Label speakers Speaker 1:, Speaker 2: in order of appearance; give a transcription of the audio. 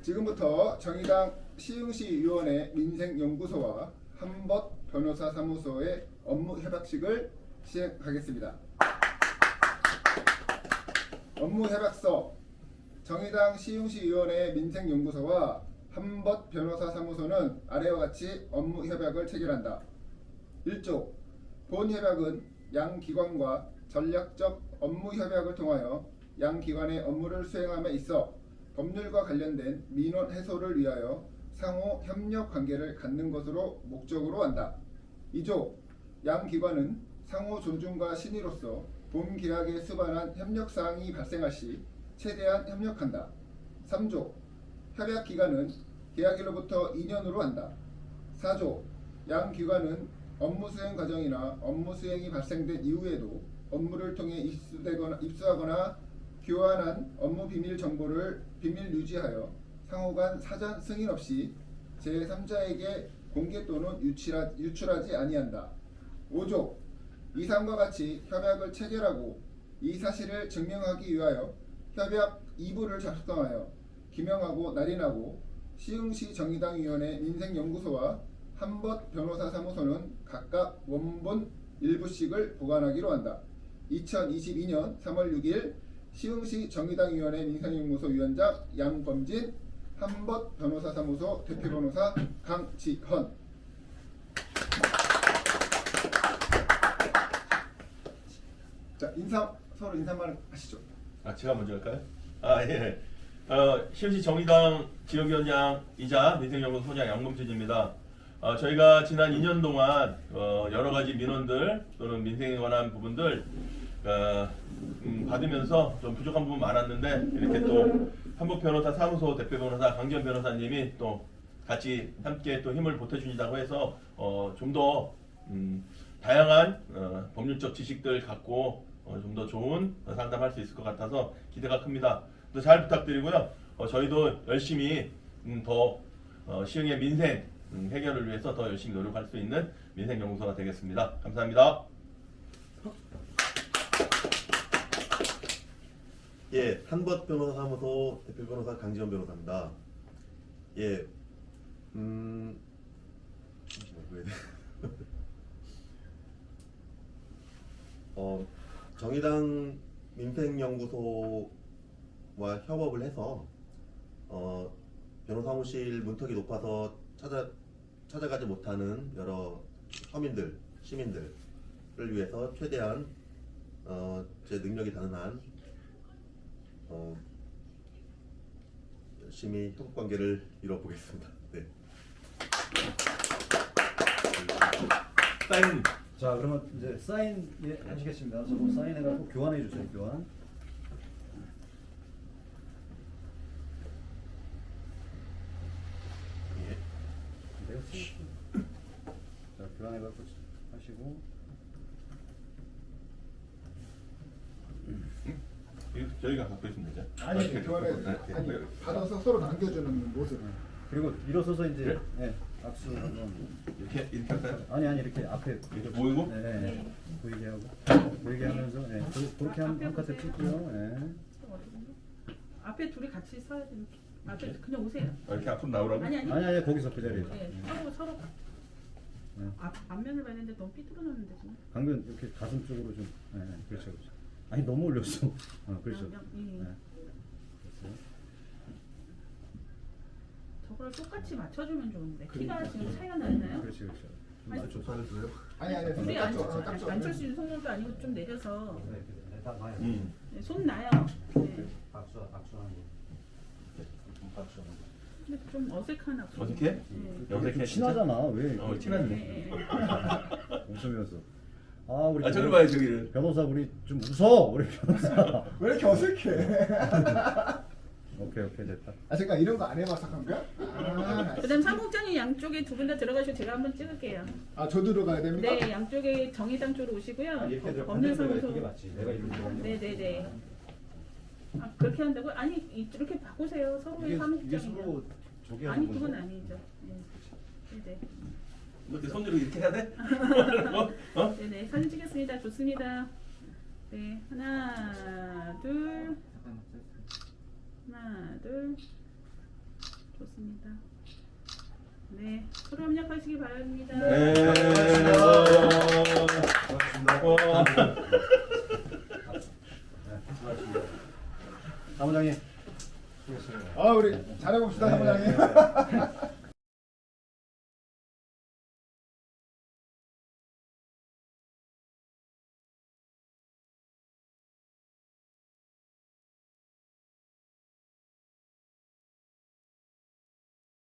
Speaker 1: 지금부터 정의당 시흥시의원회 민생연구소와 한벗 변호사사무소의 업무 협약식을 시행하겠습니다. 업무 협약서. 정의당 시흥시의원회 민생연구소와 한벗 변호사사무소는 아래와 같이 업무 협약을 체결한다. 1조. 본 협약은 양 기관과 전략적 업무 협약을 통하여 양 기관의 업무를 수행함에 있어 법률과 관련된 민원 해소를 위하여 상호 협력 관계를 갖는 것으로 목적으로 한다. 2조. 양 기관은 상호 존중과 신의로서 본 계약에 수반한 협력 사항이 발생할 시 최대한 협력한다. 3조. 협약 기간은 계약일로부터 2년으로 한다. 4조. 양 기관은 업무 수행 과정이나 업무 수행이 발생된 이후에도 업무를 통해 입수하거나 교환한 업무 비밀 정보를 비밀 유지하여 상호 간 사전 승인 없이 제3자에게 공개 또는 유출하지 아니한다. 5조. 이상과 같이 협약을 체결하고 이 사실을 증명하기 위하여 협약 2부를 작성하여 기명하고 날인하고 시흥시 정의당위원회 민생연구소와 한벗 변호사사무소는 각각 원본 1부씩을 보관하기로 한다. 2022년 3월 6일 시흥시 정의당위원회 민생연구소 위원장 양범진, 한벗 변호사사무소 대표변호사 강지헌. 자, 서로 인사말 하시죠.
Speaker 2: 제가 먼저 할까요? 예. 시흥시 정의당 지역위원장이자 민생연구소 소장 양범진입니다. 저희가 지난 2년 동안 여러 가지 민원들 또는 민생에 관한 부분들 받으면서 좀 부족한 부분 많았는데 이렇게 또 한벗 변호사 사무소 대표 변호사 강지헌 변호사님이 또 같이 함께 또 힘을 보태주신다고 해서 좀 더 다양한 법률적 지식들 갖고 좀 더 좋은 상담할 수 있을 것 같아서 기대가 큽니다. 또 잘 부탁드리고요. 저희도 열심히 더 시흥의 민생 해결을 위해서 더 열심히 노력할 수 있는 민생연구소가 되겠습니다. 감사합니다.
Speaker 3: 예, 한벗 변호사 사무소 대표 변호사 강지헌 변호사입니다. 예, 정의당 민생연구소와 협업을 해서 변호사무실 문턱이 높아서 찾아가지 못하는 여러 서민들, 시민들을 위해서 최대한 제 능력이 닿는 한 열심히 협업 관계를 이뤄보겠습니다. 네.
Speaker 2: 사인.
Speaker 4: 자, 그러면 이제 사인 하시겠습니다. 저거 사인해갖고 교환해 주세요. 교환. 자, 교환해갖고 하시고.
Speaker 2: 저희가 갖고 있으면 되죠.
Speaker 1: 아니, 교환해. 아니, 받아서 서로 남겨주는 모습.
Speaker 4: 그리고 일어서서 이제 악수 한번.
Speaker 2: 이렇게 할까요?
Speaker 4: 아니 이렇게 앞에
Speaker 2: 이렇게 보이고?
Speaker 4: 네, 보이게 하고 보이게 하면서 그렇게 한 카트 찍고요.
Speaker 5: 앞에 둘이 같이 서야 돼. 이렇게. 앞에 그냥 오세요.
Speaker 2: 이렇게 앞으로 나오라고?
Speaker 4: 아니 거기서 그 자리에서.
Speaker 5: 서로 앞면을 봐야 되는데 너무 삐뚤어졌는데 지금.
Speaker 4: 강변 이렇게 가슴 쪽으로 좀. 그렇죠. 아니 너무 올렸어. 그렇죠.
Speaker 5: 그러면, 저걸 똑같이 맞춰주면 좋은데 키가 지금 차이가 나나요?
Speaker 4: 그렇죠.
Speaker 3: 조사를 줘요.
Speaker 1: 아니,
Speaker 5: 둘이
Speaker 1: 딱
Speaker 5: 안철수 윤석열도 아니고 좀 내려서
Speaker 4: 딱 봐요.
Speaker 5: 손 나요. 네.
Speaker 4: 박수하는 거.
Speaker 5: 근데 좀 어색한 악수.
Speaker 2: 어색해?
Speaker 5: 네.
Speaker 2: 어색해.
Speaker 4: 친하잖아. 왜?
Speaker 2: 친한데.
Speaker 5: 네.
Speaker 4: 웃으면서. 우리
Speaker 2: 저기 봐요, 저기를.
Speaker 4: 변호사 우리 좀 웃어. 우리 변호사.
Speaker 1: 왜 이렇게 어색해?
Speaker 4: 오케이 됐다.
Speaker 1: 잠깐 이런 거 안 해봐서 그런 거야?
Speaker 5: 그다음 사무국장님 양쪽에 두 분 다 들어가시고 제가 한번 찍을게요.
Speaker 1: 저 들어가야 됩니까?
Speaker 5: 네, 양쪽에 정의당 쪽으로 오시고요. 법률사무소. 네네네. 그렇게 한다고? 아니 이렇게 바꾸세요. 서로의 사무국장이요. 아니 그건 아니죠. 네네.
Speaker 2: 이렇게 손으로 이렇게 해야 돼?
Speaker 5: 네네 사진 찍겠습니다. 좋습니다. 네 하나 둘. 좋습니다. 네, 서로 협력하시기 바랍니다.
Speaker 2: 네.
Speaker 4: 사무장님 수고했어요.
Speaker 1: 아 우리 잘해봅시다 사무장님.